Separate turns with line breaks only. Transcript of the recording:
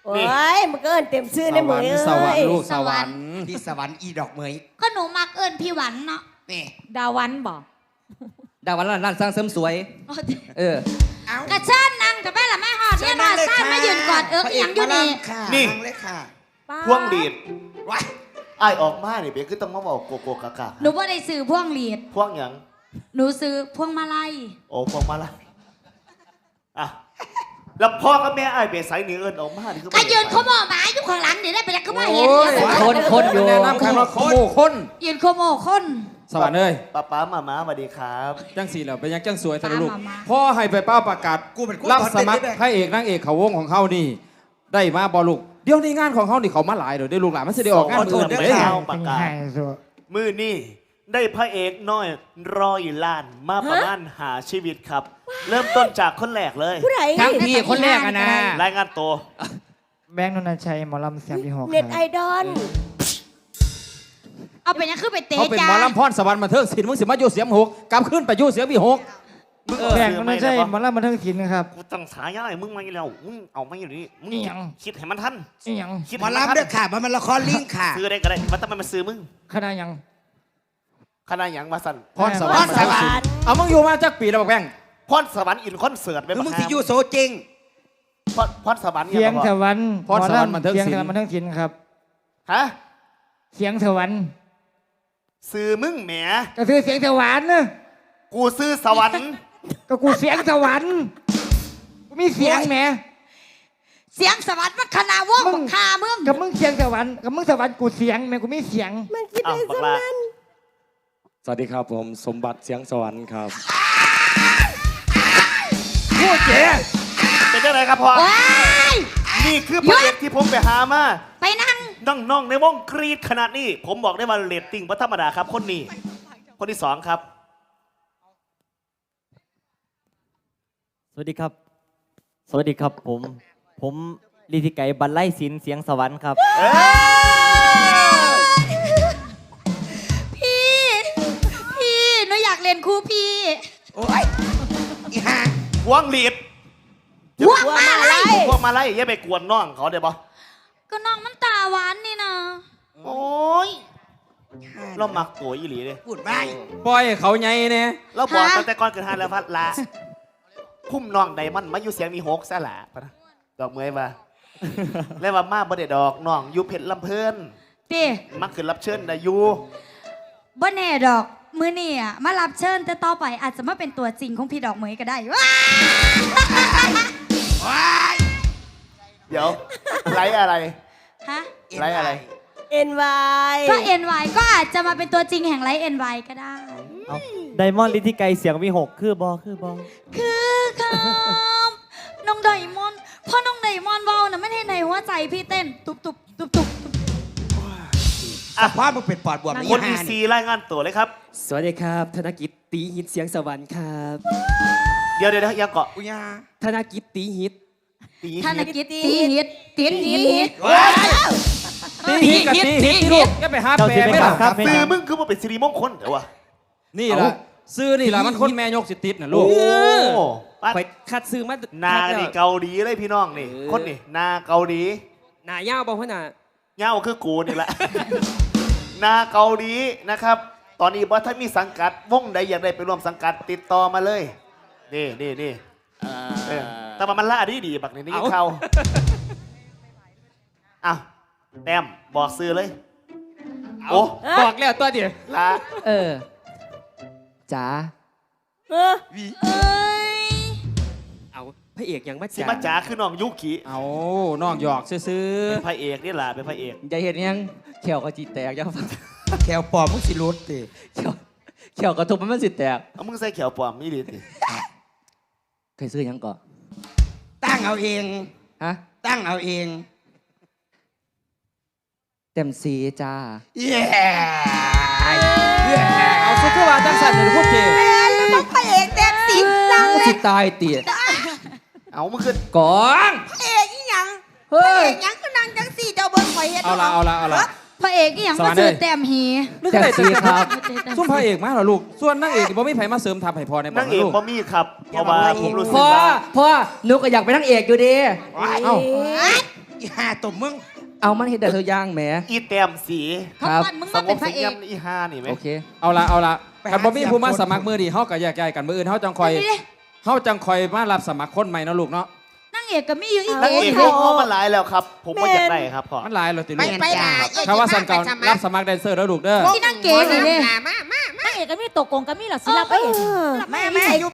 โอ้ยมันก็เอิ้นเต็มชื่อในมือ
สวรรค์ลูกสวรรค์
พี่สวรรค์อีดอกเหมย
ก็หนูมักเอิญพี่หวันเนาะ
นี่
ดาวันบอก
ดาวันร้านสร้างเสริมสวย เออ
เอา
กระเชิญนั่งกับแม่ละแม่หอดเนี่ยนอนซ่านมายืนกอดเอียงอยู่นี่
นี่เลยค่ะ
พวงดีด
ว้าย
ไอ้ายออกมาเนี่ยเบียคือต้องมาบอกโกโก้กากา
หนูว่าได้ซื้อพวงหลีด
พวงหยัง
หนูซื้อพวงมาลัย
โอ้พวงมาละอ่ะแล้วพ่อกับแม่ไอ้ายเบียใส่เนื้อเอิญออกมานี่คือ
ก็ยืนเขาบอกหมาอยู่ข้างหลังเดี๋ยวได้ไปแล้วก็มาเห็น
คนอยู่แนะนำข้างนอกคน
ยืนโคโมคน
สวรรค์เอ้ย
ป้ามาสวัสดีครับ
จังสีแล้วเป็นยังจังสวยทะลุลูก
มามา
พ่อให้ไปเป้าประกาศ
กูเป็น
รับสมัครพระเอกนางเอกเขาวงของเขานี่ ได้มาบอลูกเดี๋ยวนี้งานของเขานี่เขามาหลายเดี๋ยวได้ลูกหลานมันจะได้ออกงานอื่น
เด้
เล
อย ข่าวประกาศมือนี่ได้พระเอกน้อย100 ล้านมาประมาณหาชีวิตครับ เริ่มต้นจากคนแรกเลย
ผู้ใด
ทั้งพี่คนแรกอะนะ
รายงานตัว
แบงค์นนทชัยหมอลำเสียงที่หก
เน็ตไอดอล
เอาไปยังคือไปเตะ
เขาเป็น
จ้า
หมอลำพรสวรรค์มาเทิงศิลป์มึงสิมาอยู่เสียงหกกลับขึ้นไปอยู่เสียงพี่หก
มึง
แบงค์นนทชัยหมอ
มัน
ลำบันเทิงศิลป์นะครับ
กูตั้งฉายาให้มึงมาอีกแล้วมึงเอามาอยู่นี่มึง
อิหยัง
คิดให้มันทัน
นี่ยัง
คิด
หมอ
ให้มันทัน
ลำเด้อค่ะมันละครลิงค่ะ
ซื้อได้ก็ได้มันทำไมมาซื้อมึง
คณะยัง
คณะหยังมาสั่น
พรสวรรค์มาเทิงศิลป์เอามึงอยู่มาจักปีแล้วบอกแบง
พรสวรรค์อินคอนเสิร์ตไป
คือ
บัก
มึง
ฮา
สิอยู่โซจริง
พรสวรรค์
เสียง
บอก
สวรรค์
พรสวรรค์บันเทิง
เสียง
ศิ
ส
ล
วรรค์บัน
ป์
เทิงศิลป์ครับ
ฮะ
เสียงสวรรค์
ซื้อมึงแหม
ก็คือเสียงสวรรค์นะ
กูซื้อสวรรค์
ก็กูเสียงสวรรค์กูมีเสียงแหม
เสียงสวัสดิ์มันคณะวงบักคาเมือง
กับมึงเสียงสวรรค์กับมึงสวรรค์กูเสียงแหมกูมีเสียง
มันคิด
อ้าว
ได้
บัก
ส
ลา
มัน
สวัสดีครับผมสมบัติเสียงสวรรค์ครับ
พูดเจ๋เป็นยังไงครับพ่อ
ว้าย
นี่คือพระเอกที่ผมไปหามา
ไปนั่ง
น้องๆในวงกรีดขนาดนี้ ผมบอกได้ว่าเรตติ้งพระธรรมดาครับ คนนี้ คนที่สองครับ
สวัสดีครับ สวัสดีครับผมลิธิไก่บรรไลศิลป์เสียงสวรรค์ครับ
พี่หนูอยากเรียนครูพี่
โอ้ยอีห่า
พวงหลีด
พวงมาลัย
พวงมาไล่อย่าไปกวนน้องเขาเดี๋ยวบอ
ก็น้องมันตาหวานนี่นะ
โอ้ยเรามักโกยอีหลีเลย
พูดไป
ปล่อยให้เขาใหญ่เนี่ย
เราบอกตั้งแต่ก่อนเกิดฮานแล้วพัดละคุ้มน้องไดมันด์มาอยู่เสียงมีหกซะละปะนะดอกเมยมาแล้วว่ามาบ่ได้ดอกน้องอยู่เพชรลำเพลิน
เต้
มักขึ้นรับเชิญได้อยู่
บ่แน่ดอกมือนี่อ่ะมารับเชิญแต่ต่อไปอาจจะมาเป็นตัวจริงของพี่ดอกเหมยก็ได้ว้า
ว้าย
เดี๋ยวไลฟ์อะไร
ฮะ
ไลฟ์อะไร
เอ็นวาย
ก็ NY ก็อาจจะมาเป็นตัวจริงแห่งไลฟ์ NY ก็ได้
เอาไดมอนด์ลิธิไก่เสียงวิหกคือบอ
คือครับน้องไดมอนด์พ่อน้องไดมอนด์เว้านะไม่ได้ในหัวใจพี่เต้นตุบตุบตุบตุบ
สภาพมึงเป็นปอดบวม
คนดีซีรายงานตัวเลยครับ
สวัสดีครับธนกิจตีฮิตเสียงสวรรค์ครับ
เดี๋ยวยังเกาะ
อุยา
ธนกิจตีฮิต
ตี
ธนกิจตีฮิตตีฮิต
ว้าย
ตีฮิตกับตีฮิตลูกอย่าไปหา
เจ้า
แปล
สิ
ไม่
ไม่
หร
บั
อง ก
คับไม่
ซื้อ
ยัง
มึงคือมาเป็นสิริมงคลเดี๋ยววะ
นี่ล่ะซื้อนี่ล่ะมันคนแม่ยกสิติดน่ะลูก
โอ้ปั้น
ไปคัดซื้อมา
นานี่เกาหลีเลยพี่น้องนี่ คนนี่นาเกาหลี
หน้าย่าวบอกว่าหน้า
เงาคือกูนี่แหละ นาเกาหลีนะครับ ตอนนี้บอสถ้ามีสังกัดวงใดอยากได้ไปร่วมสังกัดติดต่อมาเลย นี่แต่ว่ามันล่าดีบักนี่เขาอ้าวแต้มบอกซื้อเลย โอ้
บอกแล้วตัวเดียว
ลา
จ๋า
เออ
เอ้ย
เอาพระเอกยังมา
สิ
จ๋า
มาจ๋าคือน้องยุกิ
เอาน้องหยอกซื้อ
เป็นพระเอกนี่แหละเป็นพระเอก
อย่าเห็นยังแขวก็จีแตกยังฟัง
แขวปอมมึงสิรุดติ
แขวกระทบมันสิแตก
เอามึงใส่เขียวปลอมนี่ดิ
เคยซื้อยังก่อน
ตั้งเอาเอง
ฮะ
ตั้งเอาเอง
เต็มสีจ้า
เย้
ๆเอาซื้อว่าจังสันเลยพูดเจ
ต้องพระเอกเต็มสิบเรา
สิตายเตี๋ย
เอามึงขึ้น
ก่อน
พระเอกอีหยัง
เฮ้ย
ยังก็นั่งจังสี่เจ้าเบิ้งข่อยเฮ็ด
เอาละ
พระเอกอีหยังมาซื้อแต้มหี
นึกได้แต่ซุ่มพระเอกมาเหรอลูกส่วนนางเอกบ่มีไผมาเสริมทัพให้พอในบ่
นางเอก
ลูก
บ่มีครับเพราะว่าผมรู้สึก
พ่อ
ว่า
พ่อหนูก็อยากเป็นนางเอกอยู่ดี
เอ้า
อีห่าตุ่มมึง
เอามันเห็นแต่เธอย่างแหม
อีแต้มสี
เขาปั้นมึง
ส
มาเป็น
บ
พ
สี
ระเอ
เยี่ย
ก
มอีห้านี่ไหม
โอเค
เอาละกันบ่มีผู้มาสมัครมือดีเฮาก็แยกย้ายกันมืออื่นเฮาจังคอย
อันนี้ดิ
เฮาจังคอยมารับสมัครคนใหม่เนาะลูกเนาะ
นั่งเอกก็มีอยู่อีก
นัก
เก๋
เอก
นี่
วงเขามาหลายแล้วครับ ผมว่าอยากได้ครับพ่อ
มันหลายเลยติลู
ไป
ก
ไปด่า
ถ้าว่าสันเก่ารับสมัครแดนเซอร์แล้วลูกเด้อ
ที่นั่งเก๋นี่เด้
มา
นางเอกก็มีตกกงก็มีหรอสิรับไปเอง
แม่อยู่